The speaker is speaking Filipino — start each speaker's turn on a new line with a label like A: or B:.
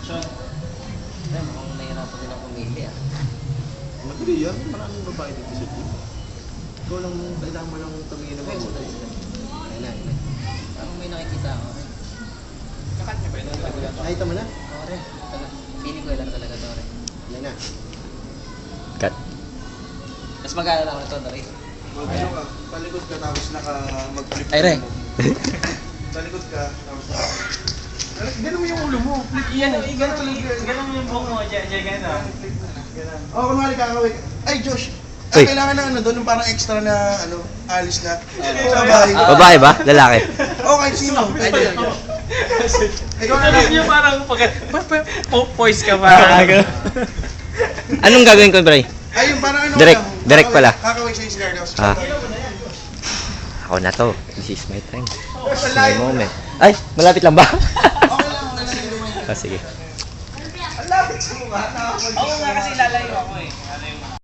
A: Sean.
B: Ay, mukhang nahirapan din ang pumili ah.
C: Madali yan. Maraming babae dito sa team. Ikaw lang, kailangan mo lang tumingin ng mabuti.
B: Ayun na, ayun na. Parang may nakikita ako.
A: Kakat niya ba yun?
C: Nakita mo na?
B: Tore, pili ko lang talaga Tore.
C: Yan na.
D: Cut.
B: Mas magana lang ako ito, Tore.
C: Ano ka? Palikod ka tapos mag-flip.
B: Ay, Re.
C: Palikod ka tapos ganun mo yung ulo mo. Flip
A: Ganun mo yung buhok mo, gano'n.
C: Oo, kunwari kakawin. Ay, Josh!
D: Uy.
C: Kailangan na ano doon, yung parang extra na alis na. Sabay.
D: Babae ba? Lalaki?
C: Oo, kahit sino. Pwede yan. Ikaw na
A: Alam
C: lang.
A: niyo parang poise ka parang.
D: Anong gagawin ko, Bray?
C: Ay, yung parang ano
D: Direct,
C: lang.
D: direct pala.
C: Kakawin sa cigar daw.
D: Ah. Ako na to. This is my time. This is my moment. Ay, malapit lang ba?
C: Okay lang, nalagay
D: Ah, sige.
C: Ang lapit sa mukha.
A: Oo nga kasi lalayo ako eh. Ano yung